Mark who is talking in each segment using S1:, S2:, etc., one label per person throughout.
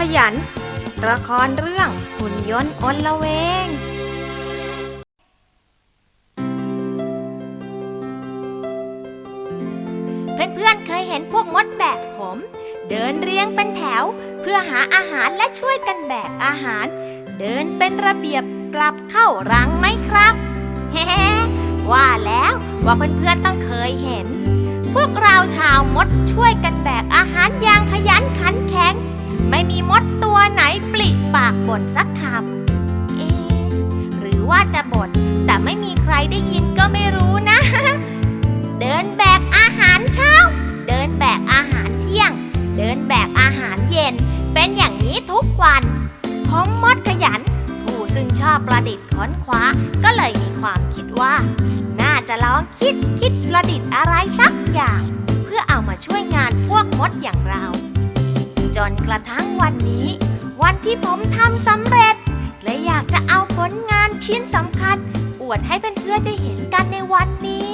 S1: ยันละครเรื่องหุ่นยนต์อลเวงเพื่อนๆเคยเห็นพวกมดแบกผมเดินเรียงเป็นแถวเพื่อหาอาหารและช่วยกันแบกอาหารเดินเป็นระเบียบกลับเข้ารังไหมครับเฮ้ว่าแล้วว่าเพื่อนๆต้องเคยเห็นพวกเราชาวมดช่วยกันแบกอาหารอย่างขยันขันแข็งไม่มีมดตัวไหนปลิปากบ่นสักคำหรือว่าจะบ่นแต่ไม่มีใครได้ยินก็ไม่รู้นะ เดินแบกอาหารเช้าเดินแบกอาหารเที่ยงเดินแบกอาหารเย็นเป็นอย่างนี้ทุกวันผมมดขยันผู้ซึ่งชอบประดิษฐ์ค้นคว้าก็เลยมีความคิดว่าน่าจะลองคิดประดิษฐ์อะไรสักอย่างเพื่อเอามาช่วยงานพวกมดอย่างเราจนกระทั่งวันนี้วันที่ผมทำสำเร็จและอยากจะเอาผลงานชิ้นสำคัญอวดให้เพื่อนๆได้เห็นกันในวันนี้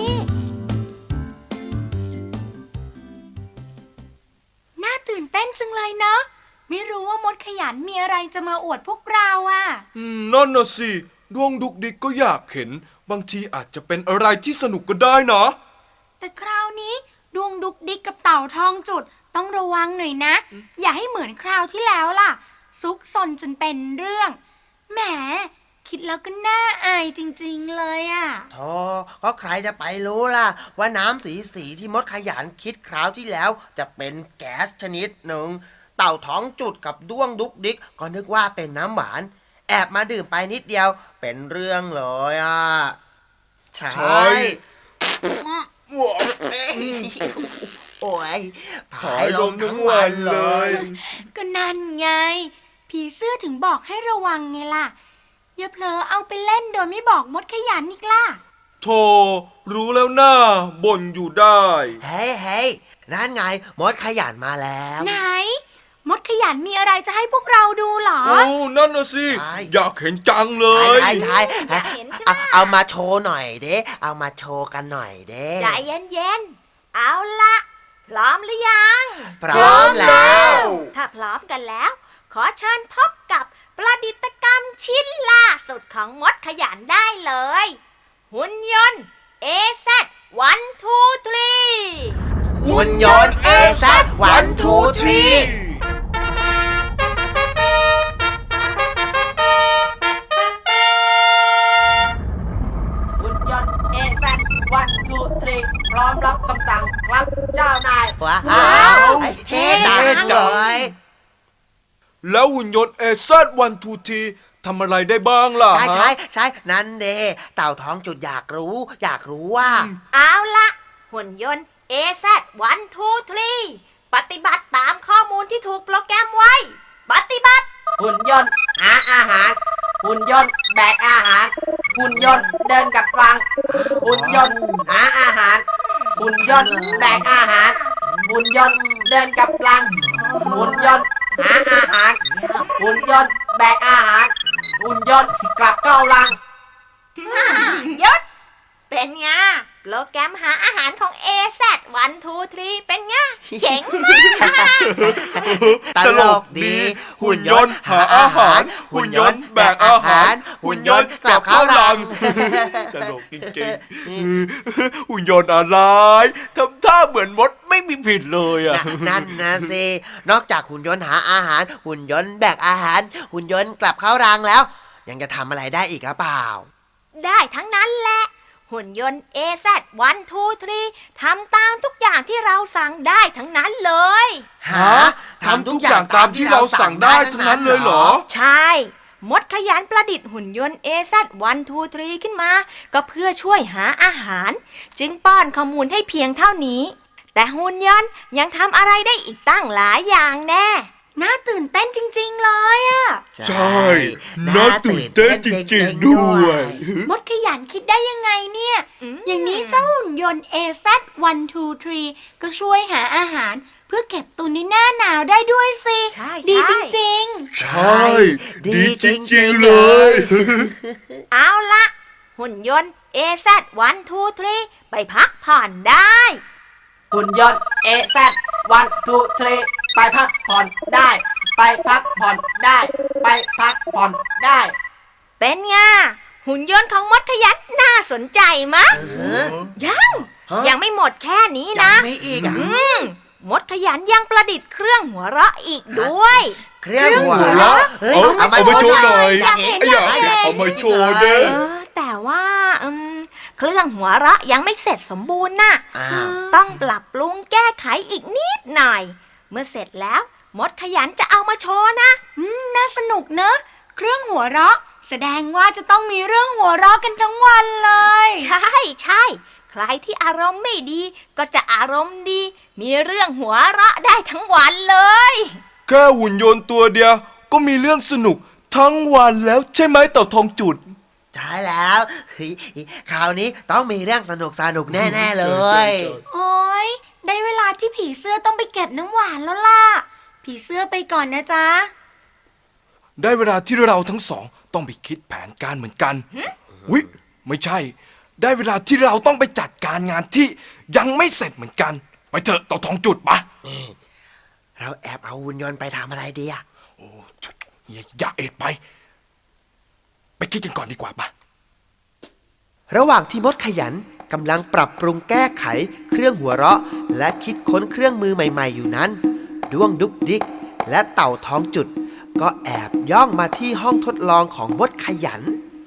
S1: น่าตื่นเต้นจังเลยเนาะไม่รู้ว่ามดขยันมีอะไรจะมาอวดพวกเราอ่ะ
S2: นั่นน่ะสิดวงดุกดิกก็อยากเห็นบางทีอาจจะเป็นอะไรที่สนุกก็ได้นะ
S1: แต่คราวนี้ดวงดุกดิกกับเต่าทองจุดต้องระวังหน่อยนะอย่าให้เหมือนคราวที่แล้วล่ะซุกซนจนเป็นเรื่องแหมคิดแล้วก็น่าอายจริงๆเลยอ่ะ
S3: โธ่ก็ใครจะไปรู้ล่ะว่าน้ำสีที่มดขยันคิดคราวที่แล้วจะเป็นแก๊สชนิดหนึ่งเต่าท้องจุดกับด้วงดุกดิกก็นึกว่าเป็นน้ำหวานแอบมาดื่มไปนิดเดียวเป็นเรื่องเลยอ่ะใช่โอ้ยผายลมทั้งวันเลย
S1: ก็นั่นไงผีเสื้อถึงบอกให้ระวังไงล่ะอย่าเผลอเอาไปเล่นโดยไม่บอกมดขยันอีกล่ะ
S2: โธ่รู้แล้วน่าบ่นอยู่ได้
S3: เฮ้ยนั่นไงมดขยันมาแล้ว
S1: ไหนมดขยันมีอะไรจะให้พวกเราดูเหรอ
S2: นั่นน่ะสิอยากเห็นจังเลย
S3: ใช่เอามาโชว์หน่อยเด้เอามาโชว์กันหน่อยเด้
S1: ใจเย็นๆเอาละพร้อมหรือยัง
S3: พร้อมแล้ว
S1: ถ้าพร้อมกันแล้วขอเชิญพบกับประดิษฐกรรมชิ้นล่าสุดของมดขยันได้เลยหุ่นยนต์ AZ123
S3: หุ่นยนต์ AZ123
S4: พร้อมรับคำสั่งครับเจ้านาย
S3: ว้าวเท่จังเลย
S2: แล้วหุ่นยนต์ AZ123 ทำอะไรได้บ้างล่ะ
S3: ใช่นั่นเด้เต่าท้องจุดอยากรู้ว่า
S1: เอาละหุ่นยนต์ AZ123 ปฏิบัติตามข้อมูลที่ถูกโปรแกรมไว้ปฏิบัติ
S4: หุ่นยนต์หาอาหารหุ่นยนต์แบกอาหารหุ่นยนต์เดินกับรังหุ่นยนต์หาอาหารหุ่นยนต์แบกอาหารหุ่นยนต์เดินกับรังหุ่นยนต์หาอาหารหุ่นยนต์แบกอาหารหุ่นยนต์กลับเข้ารัง
S1: ยศเป็นไงโปรแกรมหาอาหารของ AZ123 เป็นไงเจ๋งมาก
S3: ตลกดีหุ่นยนต์หาอาหารหุ่นยนต์แบกอาหารหุ่นยนต์กลับเข้ารัง
S2: ตลกจริงๆหุ่นยนต์อะไรทำท่าเหมือนมดไม่มีผิดเลยอ่ะ
S3: นั่นนะสินอกจากหุ่นยนต์หาอาหารหุ่นยนต์แบกอาหารหุ่นยนต์กลับเข้ารังแล้วยังจะทำอะไรได้อีกหรือเปล่า
S1: ได้ทั้งนั้นแหละหุ่นยนต์ AZ123 ทำตามทุกอย่างที่เราสั่งได้ทั้งนั้นเลย
S2: ทำทุกอย่างตามที่เราสั่งได้ทั้งนั้นเลยเหรอ
S1: ใช่มดขยันประดิษฐ์หุ่นยนต์ AZ123 ขึ้นมาก็เพื่อช่วยหาอาหารจึงป้อนข้อมูลให้เพียงเท่านี้แต่หุ่นยนต์ยังทำอะไรได้อีกตั้งหลายอย่างแน่น่าตื่นเต้นจริงๆเลยอ่ะ
S2: ใช่น่าตื่นเต้นจริงๆด้วย
S1: มดขยันคิดได้ยังไงเนี่ยอย่างนี้เจ้าหุ่นยนต์ AZ123 ก็ช่วยหาอาหารเพื่อเก็บตุนในหน้าหนาวได้ด้วยสิดีจริง
S2: ๆใช่ดีจริงๆเลย
S1: เอาละหุ่นยนต์ AZ123 ไปพักผ่อนได้
S4: หุ่นยนต์ AZ123 ไปพักผ่อนได้ไปพักผ่อนได้ ไปพักผ่อนได้
S1: เป็นไงหุ่นยนต์ของมดขยันน่าสนใจมะ ยัง
S3: ฮะ
S1: ยังไม่หมดแค่นี้
S3: ยั
S1: นะ
S3: งไม่อีกอ่ะ
S1: มดขยันยังประดิษฐ์เครื่องหัวเราะอีกด้วย
S3: เครื่องหัว
S2: หัว
S3: เราะ
S2: เราะ
S3: เฮ้ย
S2: เอามาโชว์หน่อย
S3: อยากเห็น
S2: อยากเอามาโชว์เด้อ
S1: แต่ว่าเครื่องหัวเราะยังไม่เสร็จสมบูรณ์น่ะ
S3: อ้าว
S1: ต้องปรับปรุงแก้ไขอีกนิดหน่อย เมื่อเสร็จแล้ว มดขยันจะเอามาโชว์นะ
S5: น่าสนุกเนอะเครื่องหัวเราะ แสดงว่าจะต้องมีเรื่องหัวเราะกันทั้งวันเลย
S1: ใช่ใช่ ใครที่อารมณ์ไม่ดี ก็จะอารมณ์ดี มีเรื่องหัวเราะได้ทั้งวันเลย
S2: แค่หุ่นยนต์ตัวเดียวก็มีเรื่องสนุกทั้งวันแล้วใช่ไหมเต่าทองจุด
S3: ใช่แล้วเฮ้ยคราวนี้ต้องมีเรื่องสนุกแน่ๆเลย
S5: โอ้ยได้เวลาที่ผีเสื้อต้องไปเก็บน้ำหวานแล้วล่ะ ผีเสื้อไปก่อนนะจ๊ะ
S2: ได้เวลาที่เราทั้งสองต้องไปคิดแผนการเหมือนกันวิไม่ใช่ ได้เวลาที่เราต้องไปจัดการงานที่ยังไม่เสร็จเหมือนกัน ไปเถอะเต่าทองจุดปะ
S3: เราแอบเอาหุ่นยนต์ไปทำอะไรดีอะ
S2: โอ้ชุดอย่าเอ็ดไปคิดกันก่อนดีกว่าปะ
S3: ระหว่างที่มดขยันกำลังปรับปรุงแก้ไขเครื่องหัวเราะ และคิดค้นเครื่องมือใหม่ๆอยู่นั้นด้วงดุกดิกและเต่าท้องจุด ก็แอบย่องมาที่ห้องทดลองของมดขยัน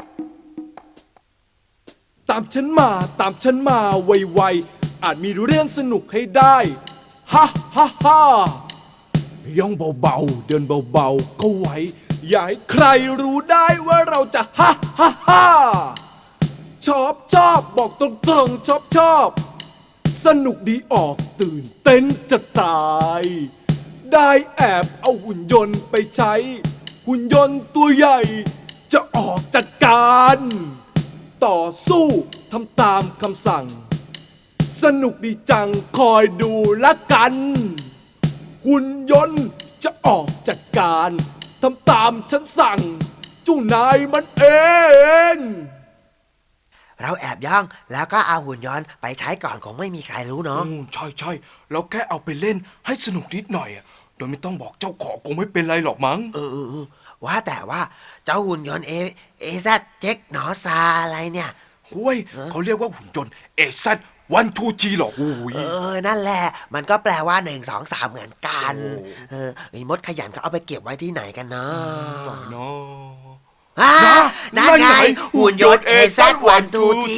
S6: ตามฉันมาไวๆอาจมีเรื่องสนุกให้ได้ฮ่าฮ่าฮ่าย่องเบาๆเดินเบาๆก็ไหวอย่าให้ใครรู้ได้ว่าเราจะฮ่าฮ่าฮ่าชอบบอกตรงๆชอบสนุกดีออกตื่นเต้นจะตาย ได้แอบเอาหุ่นยนต์ไปใช้ หุ่นยนต์ตัวใหญ่ จะออกจัดการ ต่อสู้ทำตามคำสั่ง สนุกดีจังคอยดูละกัน หุ่นยนต์จะออกจัดการทำตามฉันสั่งเจ้านายมันเอง
S3: เราแอบย่องแล้วก็เอาหุ่นยนต์ไปใช้ก่อนคงไม่มีใครรู้เนาะ
S2: ใช่เราแค่เอาไปเล่นให้สนุกนิดหน่อยอะโดยไม่ต้องบอกเจ้าของคงไม่เป็นไรหรอกมั้ง
S3: ว่าแต่ว่าเจ้าหุ่นยนต์เอซเจ็กหนอซาอะไรเนี่ย
S2: ห้วยเขาเรียกว่าหุ่นยนต์เอซัดวันทูทีหรอกอุ้ย
S3: นั่นแหละ มันก็แปลว่า1 2 3เหมือนกันไอ้มดขยันเขาเอาไปเก็บไว้ที่ไหนกันเนาะ
S2: เนาะ
S3: นั่นไงหุ่นยนต์ AZ123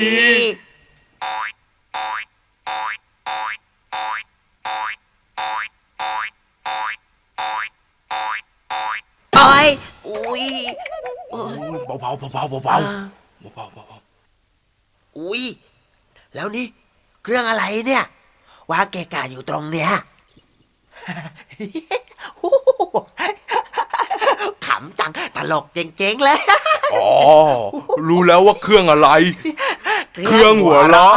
S3: โอ้ยอุ้ย
S2: โอ้ยเบาๆ
S3: อุ้ยแล้วนี่เครื่องอะไรเนี่ย วางเกะกะอยู่ตรงเนี้ย ขำจังตลกเจ๋งๆเลย
S2: อ๋อรู้แล้วว่าเครื่องอะไร เครื่องหัวเราะ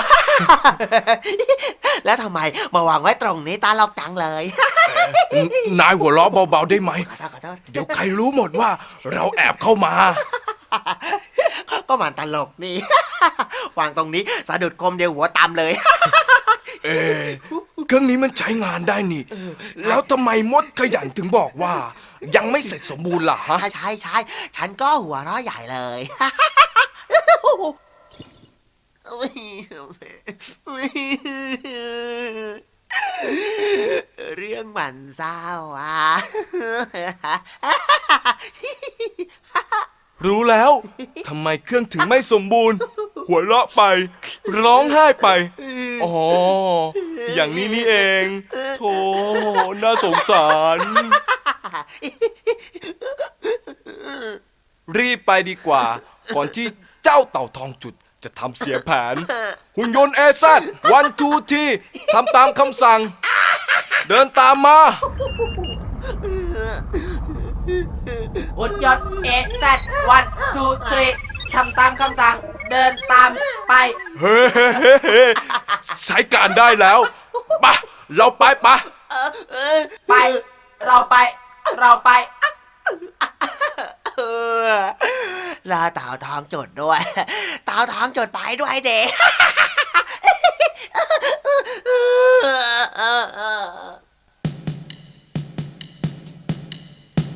S3: แล้วทำไมมาวางไว้ตรงนี้ตลกจังเลย
S2: นายหัวเราะเบาๆได้ไหม
S3: ขอโทษ
S2: เดี๋ยวใครรู้หมดว่าเราแอบเข้ามา
S3: ก็มันตลกนี่ วางตรงนี้สะดุดคมเดียวหัวตามเลย
S2: เครื่องนี้มันใช้งานได้นี่ แล้วทำไมมดขยันถึงบอกว่า ยังไม่เสร็จสมบูรณ์ล่ะฮะ
S3: ใช่ฉันก็หัวเราะใหญ่เลย เรื่องมันเศร้าอ่ะ
S2: รู้แล้วทำไมเครื่องถึงไม่สมบูรณ์ หัวเราะไป ร้องไห้ไป อ๋อ อย่างนี้นี่เองโธ่น่าสงสาร รีบไปดีกว่า ก่อนที่เจ้าเต่าทองจุดจะทำเสียแผน หุ่นยนต์เอซัดวันทูทีทำตามคำสั่ง เดินตามมา
S4: หุ่นยนต์ AZ123 ทำตามคำสั่ง เดินตามไป
S2: เฮ้ใช้การได้แล้วปะเราไปปะ
S4: ไป เราไป
S3: รอเต่าทองจุดด้วย เต่าทองจุดไปด้วยเด็ก
S2: อ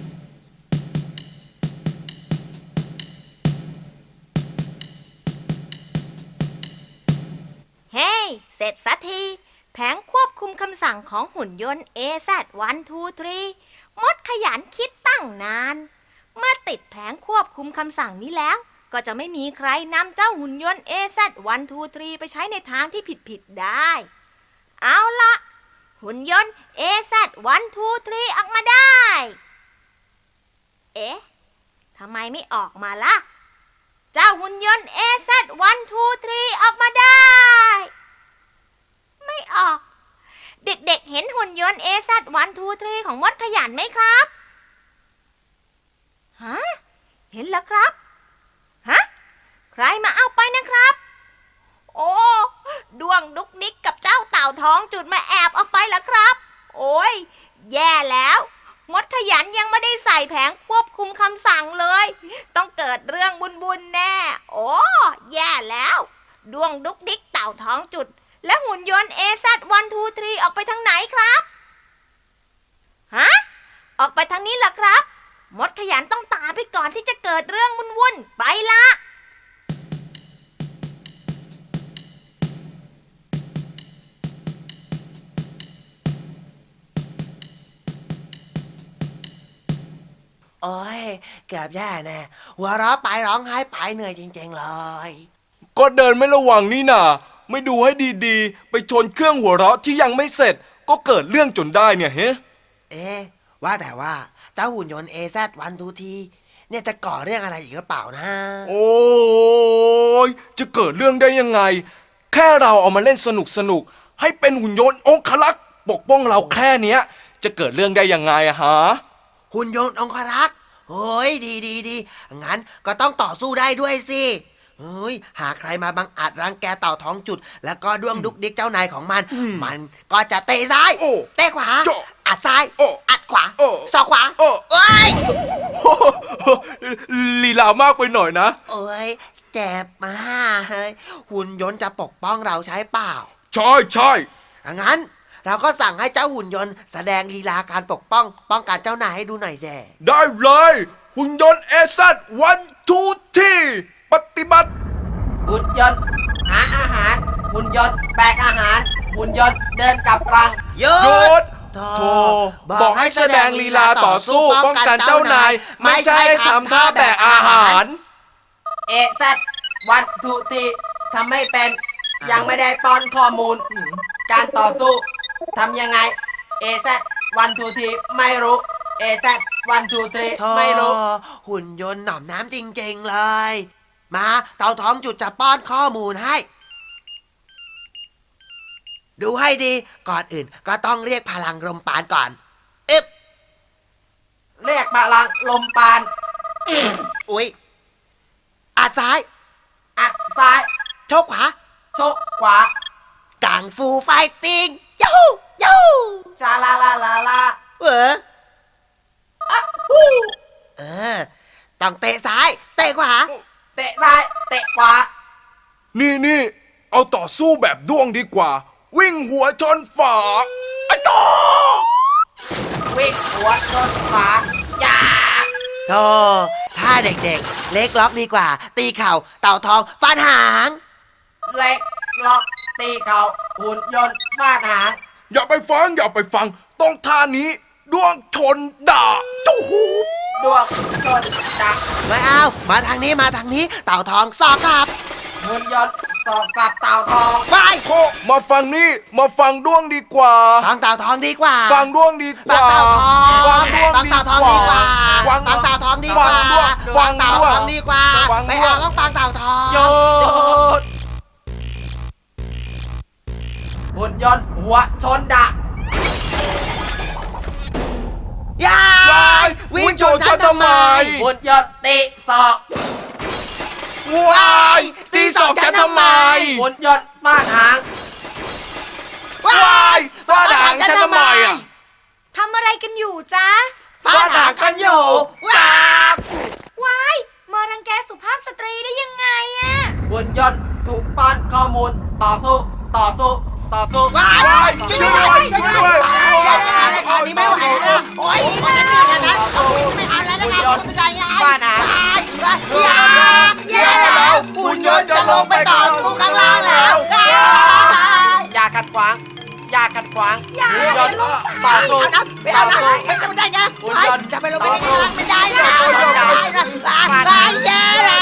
S1: เสร็จสักทีแผงควบคุมคำสั่งของหุ่นยนต์ AZ123 มดขยันคิดตั้งนานเมื่อติดแผงควบคุมคำสั่งนี้แล้วก็จะไม่มีใครนำเจ้าหุ่นยนต์ AZ123 ไปใช้ในทางที่ผิดได้ เอาละหุ่นยนต์ AZ123 ออกมาได้ เอ๊ะทำไมไม่ออกมาล่ะเจ้าหุ่นยนต์ AZ123 ออกมาได้ไม่ออกเด็กๆเห็นหุ่นยนต์ AZ123 ของมดขยันไหมครับฮะเห็นแล้วครับฮะใครมาเอาไปนะครับโอ้ดวงดุกดิกกับเจ้าเต่าท้องจุดมาแอบเอาไปแล้วครับโอ้ยแย่แล้วมดขยันยังไม่ได้ใส่แผงควบคุมคำสั่งเลยต้องเกิดเรื่องบุญๆแน่โอ้แย่แล้วดวงดุกดิกเต่าท้องจุดและหุ่นยนต์ AZ123 ออกไปทางไหนครับฮะออกไปทางนี้เหรอครับมดขยันต้องตามไปก่อนที่จะเกิดเรื่องวุ่นๆไปละ
S3: โอ้ยเกือบแย่แน่หัวเราะไปร้องไห้ไปเหนื่อยจริงๆเลย
S2: ก็เดินไม่ระวังนี่นาไม่ดูให้ดีๆ ไปชนเครื่องหัวเราะที่ยังไม่เสร็จก็เกิดเรื่องจนได้เนี่ยเฮ้
S3: เอ๊ะว่าแต่ว่าเจ้าหุ่นยนต์ AZ123 เนี่ยจะก่อเรื่องอะไรอีกหรือเปล่านะ
S2: โอ้ยจะเกิดเรื่องได้ยังไงแค่เราเอามาเล่นสนุกให้เป็นหุ่นยนต์องคลักษ์ปกป้องเราแค่เนี้ยจะเกิดเรื่องได้ยังไงอะฮะ
S3: หุ่นยนต์องครักษ์เฮ้ยดีงั้นก็ต้องต่อสู้ได้ด้วยสิเฮ้ยหากใครมาบังอาจรังแกเต่าท้องจุดแล้วก็ด้วงดุกดิกเจ้านายของมันมันก็จะเตะซ้าย
S2: โอ้
S3: เตะขวา
S2: โจ้
S3: อัดซ้าย
S2: โอ้
S3: อัดขวา
S2: โอ้
S3: ศอกขวา
S2: โอ้
S3: เอ้ย
S2: ลีลามากไปหน่อยนะ
S3: เอ้ยเจ็บมากเฮ้ยหุ่นยนต์จะปกป้องเราใช้เปล่า
S2: ใช่
S3: งั้นเราก็สั่งให้เจ้าหุ่นยนต์แสดงลีลาการป้องกันเจ้านายให้ดูหน่อยแย่
S2: ได้เลยหุ่นยนต์ AZ123 ปฏิบัติ
S4: หุ่นยนต์หาอาหารหุ่นยนต์แบกอาหารหุ่นยนต์เดินกลับรัง
S3: หยุ
S2: หยุ
S3: ด
S2: ดโธ่บอกให้แสดงลีลาต่อสู้ป้องกันเจ้านายไม่ใช่ให้ทำท่าแบกอาหาร
S4: AZ123ทำไม่เป็นยังไม่ได้ป้อนข้อมูล การต่อสู้ทำยังไง AZ123ไม่รู้ AZ123
S3: โธ่
S4: ไม่รู้
S3: หุ่นยนต์หน่อมน้ำจริงๆเลย มาเต่าท้องจุดจะป้อนข้อมูลให้ ดูให้ดีก่อนอื่นก็ต้องเรียกพลังลมปานก่อนอึบ
S4: เรียกพลังลมปาน
S3: อุ๊ยอัดซ้าย
S4: อัดซ้าย
S3: โชกขวา
S4: ชกขวา
S3: กังฟูไฟติงยูฮูยูฮู
S4: ชาลาลาลาลา
S3: เออต้องเตะซ้ายเตะขวา
S4: เตะซ้ายเตะขวา
S2: นี่เอาต่อสู้แบบด้วงดีกว่า วิ่งหัวชนฝาอะจอ
S4: วิ่งหัวชนฝาอย่า
S3: โธ่ถ้าเด็กๆ เล็กล็อกดีกว่า ตีเข่าเต่าทองฟันหาง
S4: เล็กล็อกตีเข่าหุ่นยนต์ฟาดหาง
S2: อย่าไปฟังต้องท่านี้ด้วงชนด่าเจ้าหู
S4: ดวงชนดัก
S3: ไม่เอามาทางนี้เต่าทองสอกกลับ
S4: หุ่นยนต์สอบกลับเต่าทอง
S3: ไป
S2: โธ่มาฟังนี่มาฟังด้วงดีกว่า
S3: ฟังเต่าทองดีกว่า
S2: ฟังด้วงดีก
S3: ฟั
S2: ว่าง
S3: เต่าทอง
S2: ฟังด้วง
S3: ฟัง
S2: ดี
S3: เต่าทอง
S2: ก
S3: ดีก
S2: ว่า
S3: ว่าฟังเต่าทองดีกว่า
S2: ฟังด้วง
S3: เต่าทองดีกว่า
S2: ฟังด้วง
S3: ไม่เอาต้องฟังเต่าทอง
S4: หยุดหุ่นยนต์หัวชนดัก
S3: ยายวิ่งชนฉันทำไม
S4: หุ่นยนต์ตีศอก
S2: ว้ายตีสองฉันทำไม
S4: หุ่นยนต์ฟาดหาง
S2: ว้ายฟาดหางฉันทำไมอ่ะ
S5: ทำอะไรกันอยู่จ๊ะ
S3: ฟาดหางกันอยู่ว้า
S5: ว้ายมารังแกสุภาพสตรีได้ยังไงอะ
S4: หุ่นยนต์ถูกป้อนข้อมูลต่อสู้
S3: ว้ายช่วยด้วยรายการนี้ไม่ไหวแล้วโอ๊ยมันจะเหนื่อยนะไม่เอาแล้วนะครับคุณยายอย่าแล้วหุ่นยนต์จะลงไปต่อสู้ข้างล่างแล้ว
S4: ยากขัดขวางหุ่นยนต์ต่อสู้
S3: ไม่เอา
S4: ต่อ
S3: นะ
S4: สู้
S3: ไม่ได้นะ
S4: หุ่นยนต์
S3: จะไปลง
S4: ต่
S3: ไป
S4: อสู้
S3: ไม่ได้นะ
S4: ต่อสู้
S3: ไม่ได้นะตายแย่แล้ว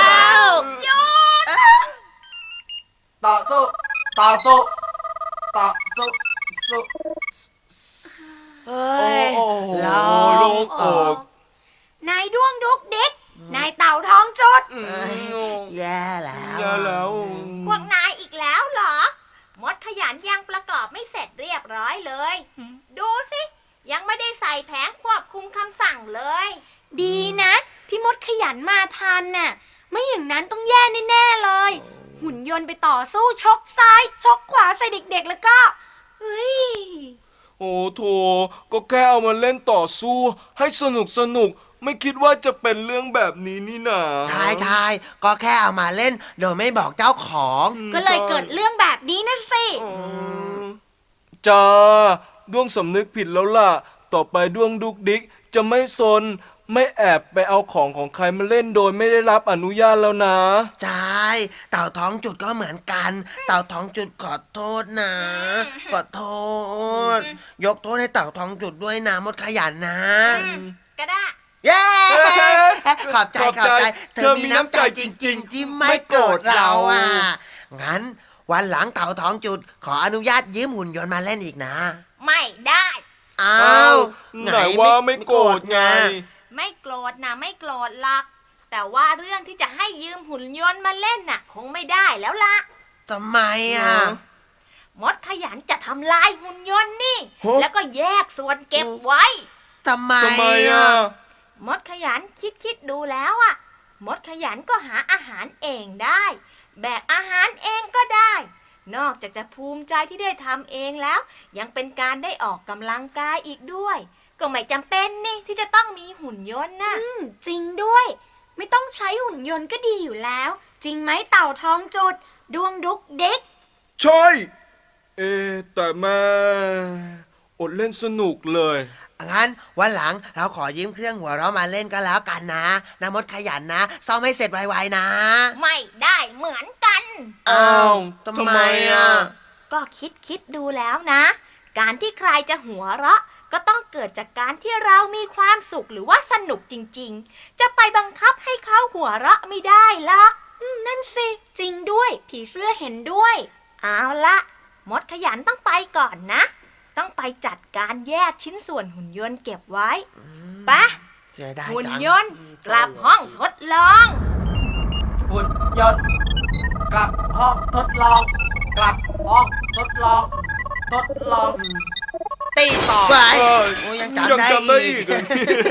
S4: ต่อสู้ต่อสู้ต่อสู้สู้
S3: เฮ้ย
S2: โอ้โห
S3: ล
S2: โล่
S3: ง
S2: งอก
S5: นายด้วงดุกดิกนายเต่าท้องจุด
S3: แย่แล้ว
S2: แย่แล้ว
S1: พวกนายอีกแล้วเหรอ มดขยันยังประกอบไม่เสร็จเรียบร้อยเลย ดูสิ ยังไม่ได้ใส่แผงควบคุมคำสั่งเลย
S5: ดีนะ ที่มดขยันมาทันน่ะ ไม่อย่างนั้นต้องแย่แน่ๆเลย หุ่นยนต์ไปต่อสู้ชกซ้าย ชกขวาใส่เด็กๆแล้วก็เฮ้ย
S2: โอ้โถก็แค่เอามาเล่นต่อสู้ ให้สนุกไม่คิดว่าจะเป็นเรื่องแบบนี้นี่นา
S3: ใช่ก็แค่เอามาเล่นโดยไม่บอกเจ้าของ
S5: ก็เลยเกิดเรื่องแบบนี้นะสิ
S2: จ้าด้วงสำนึกผิดแล้วล่ะ ต่อไปด้วงดุกดิกจะไม่ซน ไม่แอบไปเอาของใครมาเล่นโดยไม่ได้รับอนุญาตแล้วนะ
S3: ใช่เต่าท้องจุดก็เหมือนกัน เต่าท้องจุดขอโทษนะ ขอโทษ ยกโทษให้เต่าท้องจุดด้วยนะมดขยันนะ
S1: ก็ได้
S3: เย้
S2: เฮ้ย
S3: ขอบใจเธอมีน้ำใจจริงๆ ที่ไม่โกรธเราอ่ะ งั้นวันหลังเต่าท้องจุด ขออนุญาตยืมหุ่นยนต์มาเล่นอีกนะ
S1: ไม่ได้
S3: อ้า
S2: อ้าว
S3: ว
S2: ไหนว่าไม่โกรธไง
S1: ไม่โกรธนะไม่โกรธหรอก แต่ว่าเรื่องที่จะให้ยืมหุ่นยนต์มาเล่นน่ะ คงไม่ได้แล้วล่ะ
S3: ทำไมอ่ะ
S1: มดขยันจะทำลายหุ่นยนต์นี่
S2: ฮะ
S1: แล้วก็แยกส่วนเก็บไว้
S3: ทำไม
S2: ทำไม
S3: อ่ะ
S2: อ่ะ
S1: มดขยันคิดดูแล้วอ่ะ มดขยันก็หาอาหารเองได้ แบกอาหารเองก็ได้ นอกจากจะภูมิใจที่ได้ทำเองแล้ว ยังเป็นการได้ออกกำลังกายอีกด้วย ก็ไม่จำเป็นนี่ที่จะต้องมีหุ่นยนต์นะ
S5: จริงด้วย ไม่ต้องใช้หุ่นยนต์ก็ดีอยู่แล้ว จริงไหมเต่าท้องจุดด้วงดุกดิก
S2: ใช่ แต่แม่อดเล่นสนุกเลย
S3: งั้นวันหลังเราขอยืมเครื่องหัวเราะมาเล่นก็แล้วกันนะนะมดขยันนะซ่อมให้เสร็จไวๆนะ
S1: ไม่ได้เหมือนกัน
S2: อ้าว
S3: ทำไมอ่ะ
S1: ก็คิดดูแล้วนะ การที่ใครจะหัวเราะ ก็ต้องเกิดจากการที่เรามีความสุขหรือว่าสนุกจริงๆ จะไปบังคับให้เขาหัวเราะไม่ได้หรอก
S5: นั่นสิ จริงด้วย ผีเสื้อเห็นด้วย
S1: เอาละมดขยันต้องไปก่อนนะ ต้องไปจัดการแยกชิ้นส่วนหุ่นยนต์เก็บไว้ไปะ
S3: เสียดาย
S1: หุ่น
S3: จัง
S1: ยนต์กลับห้องทดลอง
S4: หุ่นยนต์กลับห้องทดลอง กลับห้องทดลอง ทดลอง ตีต่อ
S3: ไป
S2: เออ
S3: โอ้ยัง
S2: ยัง
S3: จำได้
S2: จำได้
S3: อี
S2: อี
S3: ก
S2: กเหรอ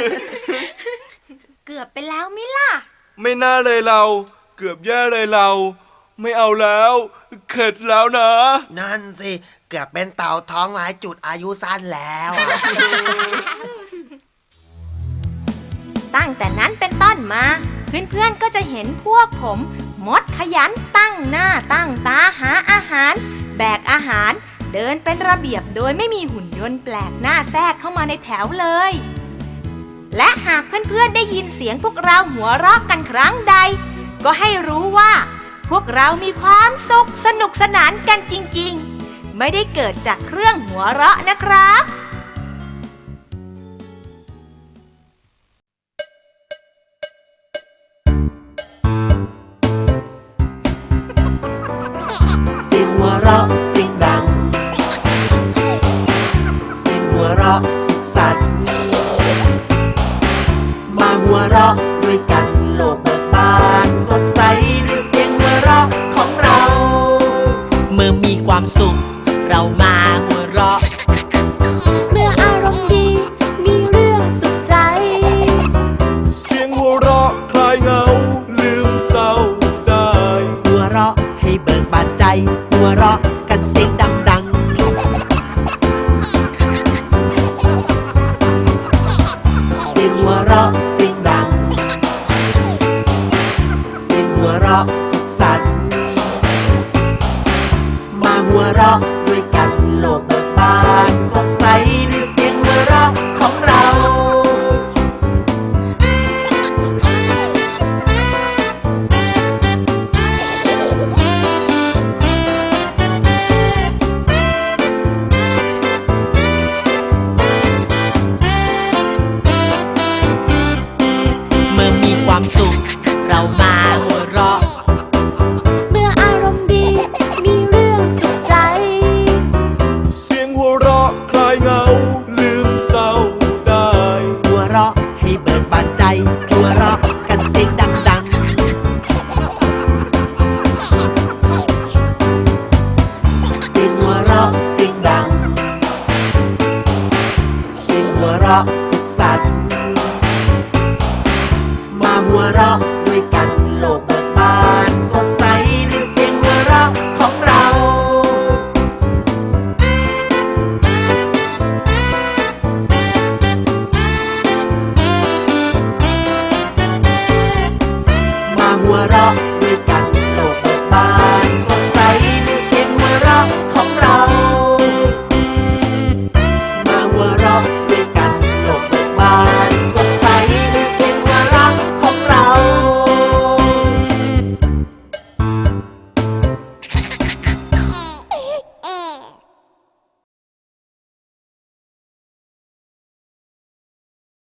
S5: เกือบไปแล้วมิล่ะ
S2: ไม่น่าเลยเรา เกือบแย่เลยเรา ไม่เอาแล้ว เข็ดแล้วนะ
S3: นั่นสิ เกือบเป็นเต่าท้องหลายจุดอายุสั้นแล้วอะ
S1: ตั้งแต่นั้นเป็นต้นมา เพื่อนๆก็จะเห็นพวกผม มดขยันตั้งหน้าตั้งตาหาอาหาร แบกอาหาร เดินเป็นระเบียบโดยไม่มีหุ่นยนต์แปลกหน้าแทรกเข้ามาในแถวเลย และหากเพื่อนๆได้ยินเสียงพวกเราหัวเราะกันครั้งใด ก็ให้รู้ว่า พวกเรามีความสุขสนุกสนานกันจริงๆ ไม่ได้เกิดจากเครื่องหัวเราะนะครับ
S7: เสียงหัวเราะเสียงดัง เสียงหัวเราะสุขสันต์มาหัวเราะด้วยกันโลกเบิกบานสดใสด้วยเสียงหัวเราะของเรา เมื่อมีความสุข เรามาหัวเราะ
S5: เมื่ออารมณ์ดี มีเรื่องสุขใจ
S2: เสียงหัวเราะคลายเหงา ลืมเศร้าได้
S7: หัวเราะให้เบิกบานใจ หัวเราะกันเสียงดังๆ เสียงหัวเราะเสียงดัง เสียงหัวเราะสุขสันต์มาหัวเราะด้วยกันโลกความสุข เรามาหัวเราะ
S8: เมื่ออารมณ์ดีมีเรื่องสุขใจ
S6: เสียงหัวเราะคลายเหงาลืมเศร้าได้
S7: หัวเราะให้เบิกบานใจ หัวเราะกันเสียงดังๆ เสียงหัวเราะเสียงดัง เสียงหัวเราะสุขสันต์มาหัวเราะด้วยกันโลกเบิกบานสดใสด้วยเสียงหัวเราะของเรา มาหัวเราะ